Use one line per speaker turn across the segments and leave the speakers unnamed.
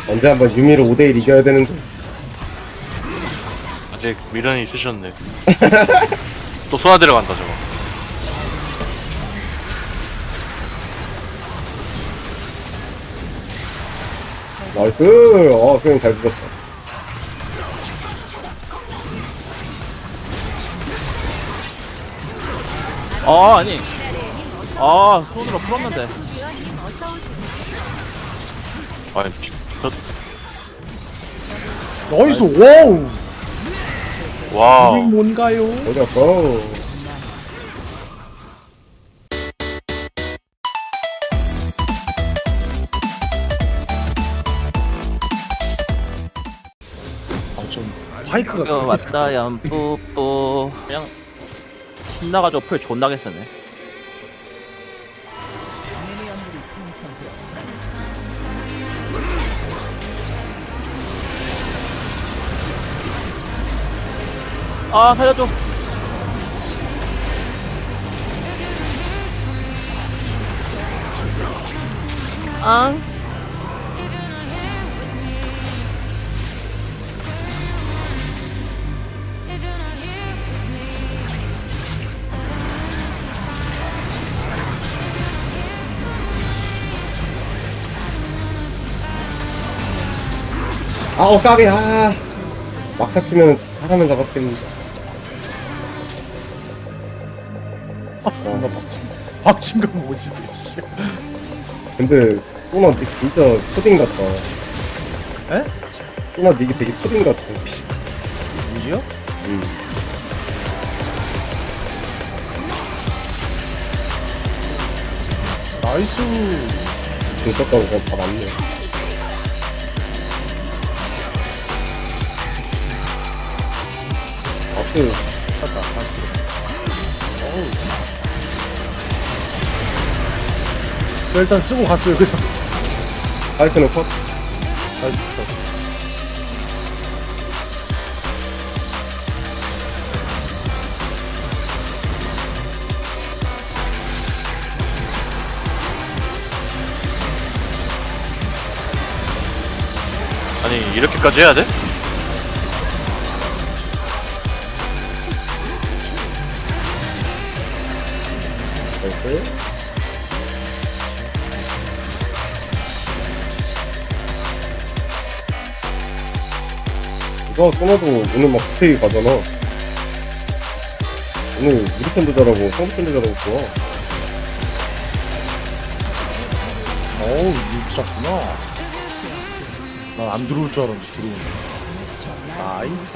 언제 한번 유미를 5대1 이겨야 되는데.
아직 미련이 있으셨네. 또 쏘아 들어간다 저거.
나이스. 수영 잘 죽었다.
아니 손으로 풀었는데.
아니
나이스. 와우.
와우.
이게 뭔가요?
어디 갔어?
좀 파이크가
이거 왔다 얌뿌뿌. 그냥 신나가지고 풀 존나게 쓰네. 살려줘. 앙.
까비. 막타 치면 사람은 잡았겠는데.
나 박친 거 뭐지 대체?
근데 소나 니 진짜 초딩 같다.
에?
소나 니 되게 초딩 같아.
이게요? 나이스.
중석가고 그냥 다 맞네. 박수.
맞다. 나이스. 어우. 일단 쓰고 갔어요 그냥.
파이크는 컷.
나이스.
아니 이렇게까지 해야 돼?
나이스. 이거 소나도 오늘 막 스테이 가잖아. 오늘 우리 편도 잘하고 상대 편도 잘하고 좋아.
어우 이렇게 작구나. 난 안 들어올 줄 알았는데 들어오네. 나이스.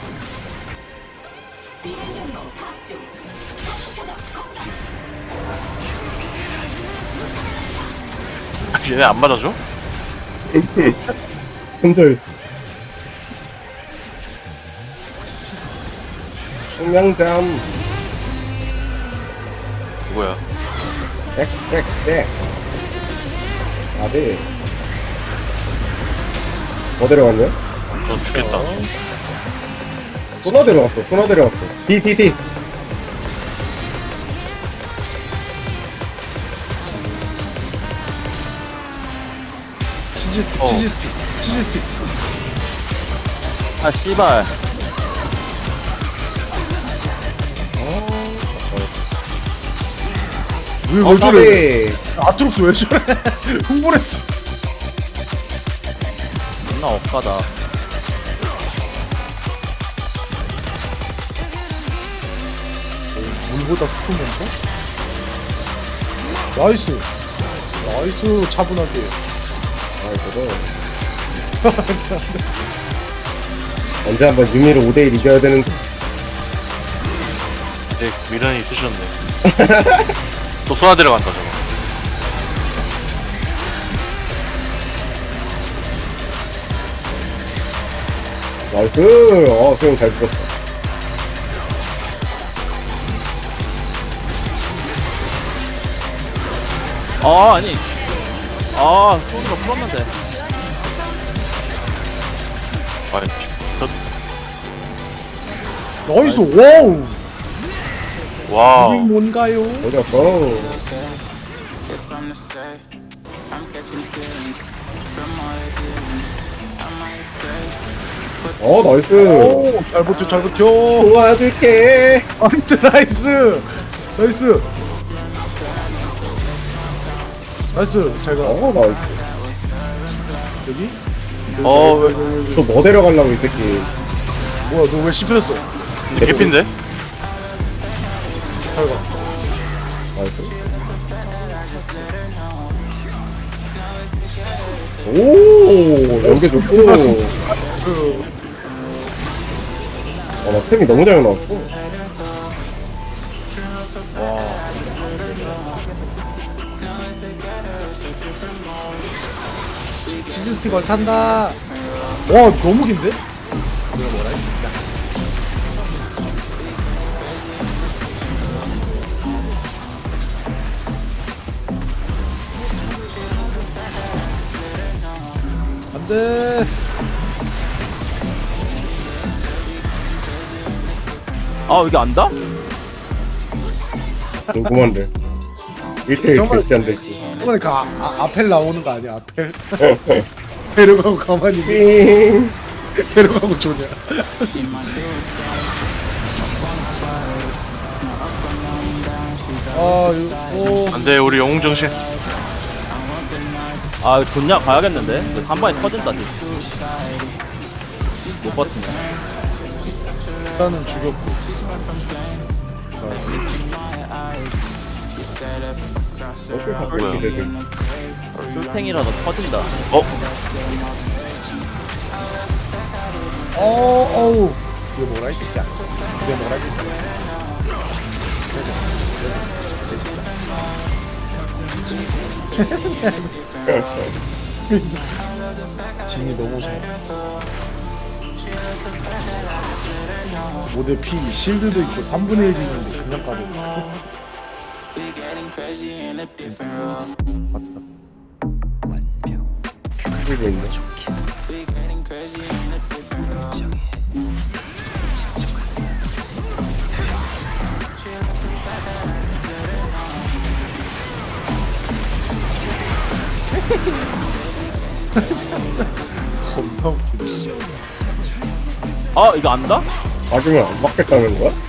얘네 안 맞아줘?
손절. 청량잠.
뭐야?
땡. 아비. 뭐 데려갔냐?
저 죽겠다.
소나 데려갔어. D.
치즈스틱.
씨발.
왜 저래?
까비.
아트록스 왜 저래? 흥분했어.
존나 억까다.
물보다 스푼 멤버? 나이스 차분하게.
저거. 언제 한번 유미를 5대1 이겨야 되는데.
아직 미련이 있으셨네. 또 쏘아 들어간다 저거.
나이스. 수영 잘 죽었다.
아니 손으로 풀었는데.
아니
나이스. 와우.
와우.
이게 뭔가요?
어디 갔어?
If I'm to say, I'm catching feelings from all the dealings.
나이스.
오, 잘 버텨, 잘 버텨.
도와줄게.
나이스, 나이스. 나이스. 나이스, 잘 가.
나이스.
여기?
왜
또 뭐 데려가려고 이 새끼.
뭐야, 너 왜 씹혔어?
근데 개핀데?
잘 가.
나이스. 오, 연계 좋고. 나 템이 너무 잘 나왔어.
치즈 스틱을 탄다. 와, 너무 긴데? 내가 뭐라 했지? 안돼.
아 이게 안다?
궁금한데. 1대1
정말-
절대 안 되지.
이번에 그 아펠 나오는 거 아니야? 아펠. 데려가고 가만히 있네.
삥.
데려가고 좋냐? 아, 이거
안돼 우리 영웅 정신.
아 좋냐 가야겠는데. 이거 한 방에 터진다 진짜. 못 버틴다.
일단은 죽였고.
어떻게
뭐야.
바꿀 기대돼.
술탱이라도 터진다.
어우. 이거 뭐라 했지? 이거 뭐라 했지? 진이 너무 잘했어. 모델 P 실드도 있고 3분의 1이 있는데 그냥 까버리니까. 맞다.
그리고 있네.
겁나 웃기네.
아 이거 안다?
막으면 안 막겠다는 거야?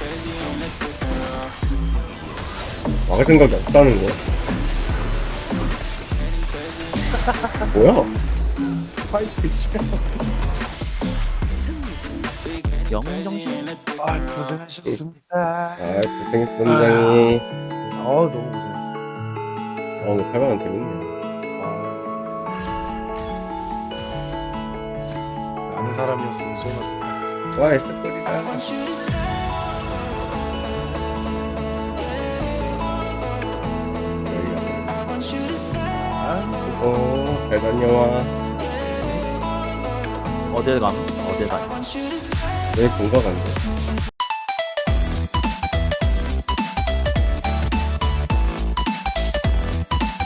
막을 생각이 없다는 거야? 뭐야?
파이프 진짜.
영웅 정신.
아, 고생하셨습니다.
아, 고생했어, 선장이.
너무 고생했어.
오늘 8만원 재밌네.
아는 사람이었으면 소나 좋다.
와, 애써버리다. 잘 다녀와.
어딜 감? 어딜 가?
내일 본가 간대.